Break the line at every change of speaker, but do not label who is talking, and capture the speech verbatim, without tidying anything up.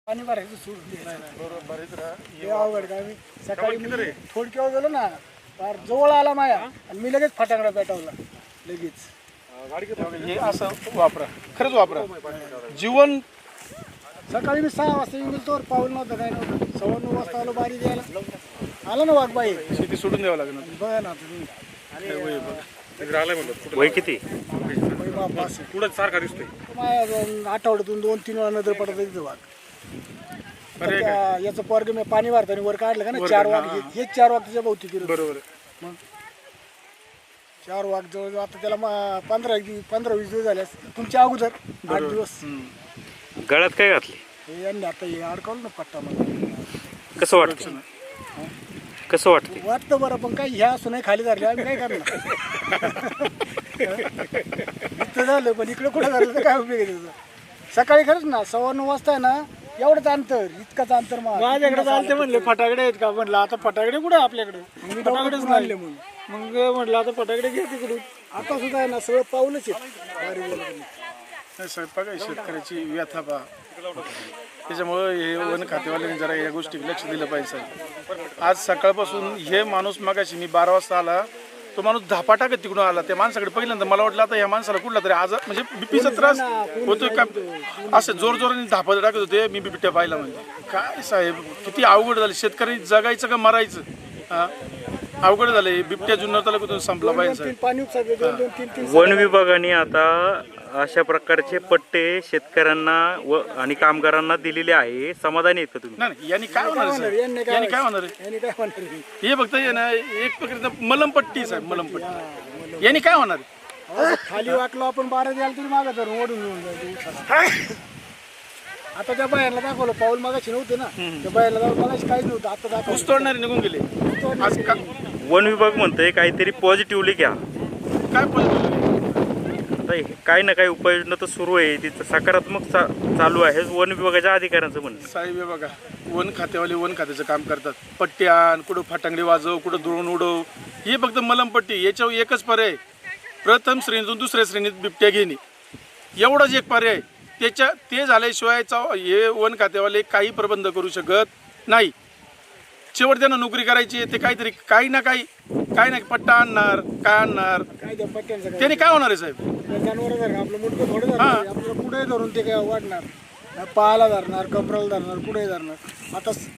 पाणी भरायचं सोडून द्यायचं.
बरोबर भरीत राहा.
हे अवघड काय मी सकाळी मी थोडक्यावर गेलो ना फार जवळ आला माया आणि मी लगेच फटाकडा पेटवला लगेच.
हे असं वापरा, खरंच वापरा. जीवन
सकाळी मी सहा वाजता येऊन गेलो तर पाऊल नव्हतं काय नव्हतं. सव्वा नऊ वाजता आलो बारी द्यायला आला ना वाघबाई.
शेती सोडून द्यावं लागेल.
बघा ना तुम्ही
वय किती?
बाई बाप असं.
पुढं सारखा दिसतोय.
माझ्या आठवड्यातून दोन तीन वेळा नजर पडत तिथं वाघ.
अरे
त्या- याचं पोरग मी पाणी भरताना वर काढलं का ना चार वाघ हे- हेच चार वाघ त्याच्या भोवती फिरत.
बरोबर.
मग चार वाघ जवळ आता त्याला मग पंधरा दिवस पंधरा वीस दिवस झाले असतील. तुमच्या अगोदर आठ दिवस
गळ्यात काय घातले?
हे यांनी आता हे अडकवलं ना पट्टा मला.
कसं वाटतं? कसं वाटते?
वाटतं बरं पण काही ह्या असं नाही खाली धरले आम्ही काय करणार. इथं झालं पण इकडे कुठं झालं तर काय उपयोग आहे त्याचा. सकाळी खरंच ना सव्वा नऊ वाजता आहे ना एवढंच अंतर इतकंच अंतर माझ्याकडे चालते म्हणले फटाकडे आहेत का म्हणलं आता फटाकडे कुठे आपल्याकडे फटाकडेच नाही म्हणून मग म्हटलं आता फटाकडे घे तिकडून. आता सुद्धा आहे ना सगळं पाऊलच आहे.
स्वयंपाक आहे शेतकऱ्याची व्यथा पहा. त्याच्यामुळं हे वन खातेवाल्यांनी जरा या गोष्टी लक्ष दिलं पाहिजे. आज सकाळपासून हे माणूस मगाशी मी बारा वाजता आला तो माणूस धापा टाकत तिकडून आला. त्या माणसाकडे पहिल्यांदा मला वाटलं आता या माणसाला कुठला तरी आज म्हणजे बीपीचा त्रास होतोय का असं जोर जोराने धापा टाकत होते. मी बिबट्या पाहिला म्हणजे काय साहेब किती अवघड झालं. शेतकऱ्यांनी जगायचं का मरायचं हा अवघड झालंय. बिबट्या जुन्नर तालुक्यातून संपला पाहिजे.
पाणी उपसायचे दोन दोन तीन तीन
वन विभागाने आता अशा प्रकारचे पट्टे शेतकऱ्यांना व आणि कामगारांना दिलेले आहे. समाधानी आहेत का तुम्ही?
नाही नाही, यांनी काय होणार आहे साहेब?
यांनी काय
यांनी काय होणार आहे?
यांनी काय म्हणणार
हे फक्त हे ना एक प्रकारचं मलमपट्टी साहेब मलमपट्टी. यांनी काय होणार आहे?
खाली वाटलो आपण बारा द्यायला तरी मागं धरून ओढून घेऊन जायचं. आता त्या बाहेरला दाखवलं पाऊल मागाशी नव्हते ना त्या बाहेरला दाखवलं मागाशी काहीच नव्हतं. आता दाखवलं
ऊस तोडणारे निघून गेले. आज का
वन विभाग म्हणतंय काहीतरी पॉझिटिव्हली घ्या.
काय पद्धत
आता हे काही ना काही उपाययोजना तर सुरू आहे, तिचं सकारात्मक चा चालू आहे वन विभागाच्या अधिकाऱ्यांचं म्हणणं.
साहेब हे बघा वन खातेवाले वन खात्याचं काम करतात. पट्टी आण, कुठं फटांगडी वाजव, कुठं द्रोण उडव, हे फक्त मलमपट्टी. याच्यावर एकच पर्याय प्रथम श्रेणीतून दुसऱ्या श्रेणीत बिबट्या घेणे एवढाच एक पर्याय. त्याच्या ते झाल्याशिवाय हे वन खातेवाले काही प्रबंध करू शकत नाही. शेवट त्यांना नोकरी करायची ते काहीतरी काही ना काही काही ना पट्टा आणणार काय आणणार
काय त्या पट्ट्यांचं
त्याने काय होणार आहे साहेब?
जनावर धरणं आपलं मुडकं थोडं धरणार आपल्याला कुठेही धरून ते काय वाढणार पायाला धरणार कमराला धरणार कुठेही धरणार. आता